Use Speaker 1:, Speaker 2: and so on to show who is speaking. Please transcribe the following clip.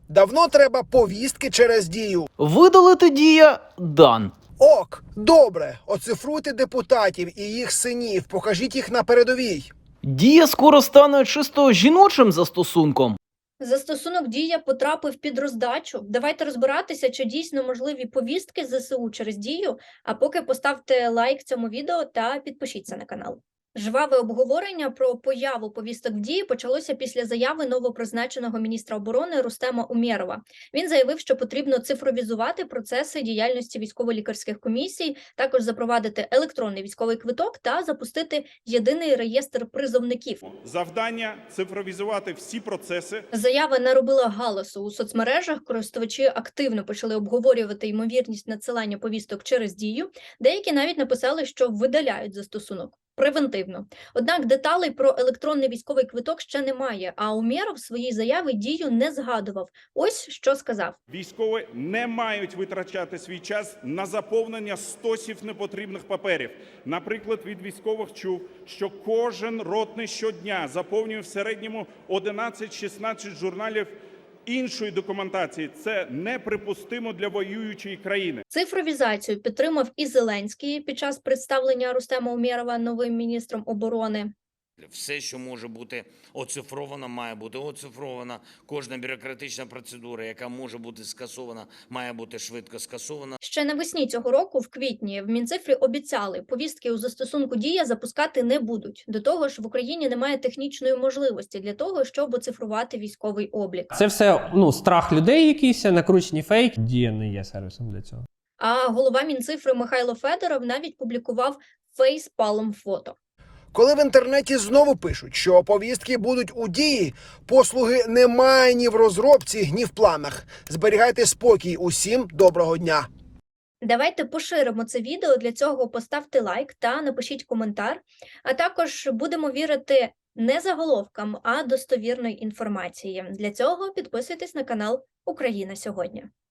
Speaker 1: Давно треба повістки через Дію.
Speaker 2: Видалити Дія дан.
Speaker 1: Ок, добре, оцифруйте депутатів і їх синів, покажіть їх на передовій.
Speaker 2: Дія скоро стане чисто жіночим застосунком.
Speaker 3: Застосунок «Дія» потрапив під роздачу. Давайте розбиратися, чи дійсно можливі повістки ЗСУ через Дію, а поки поставте лайк цьому відео та підпишіться на канал. Жваве обговорення про появу повісток в Дії почалося після заяви новопризначеного міністра оборони Рустема Умєрова. Він заявив, що потрібно цифровізувати процеси діяльності військово-лікарських комісій, також запровадити електронний військовий квиток та запустити єдиний реєстр призовників.
Speaker 4: Завдання – цифровізувати всі процеси.
Speaker 3: Заява наробила галасу у соцмережах, користувачі активно почали обговорювати ймовірність надсилання повісток через Дію. Деякі навіть написали, що видаляють застосунок. Превентивно. Однак деталей про електронний військовий квиток ще немає, а Умєров в своїй заяві Дію не згадував. Ось що сказав.
Speaker 4: Військові не мають витрачати свій час на заповнення стосів непотрібних паперів. Наприклад, від військових чув, що кожен ротний щодня заповнює в середньому 11-16 журналів іншої документації. Це неприпустимо для воюючої країни.
Speaker 3: Цифровізацію підтримав і Зеленський під час представлення Рустема Умєрова новим міністром оборони.
Speaker 5: Все, що може бути оцифровано, має бути оцифровано. Кожна бюрократична процедура, яка може бути скасована, має бути швидко скасована.
Speaker 3: Ще навесні цього року, в квітні, в Мінцифрі обіцяли, повістки у застосунку «Дія» запускати не будуть. До того ж, в Україні немає технічної можливості для того, щоб оцифрувати військовий облік.
Speaker 6: Це все страх людей якийсь, накручені фейки. Дія не є сервісом для цього.
Speaker 3: А голова Мінцифри Михайло Федоров навіть публікував фейспалм фото.
Speaker 1: Коли в інтернеті знову пишуть, що повістки будуть у Дії, послуги немає ні в розробці, ні в планах. Зберігайте спокій усім, доброго дня.
Speaker 3: Давайте поширимо це відео, для цього поставте лайк та напишіть коментар. А також будемо вірити не заголовкам, а достовірної інформації. Для цього підписуйтесь на канал «Україна сьогодні».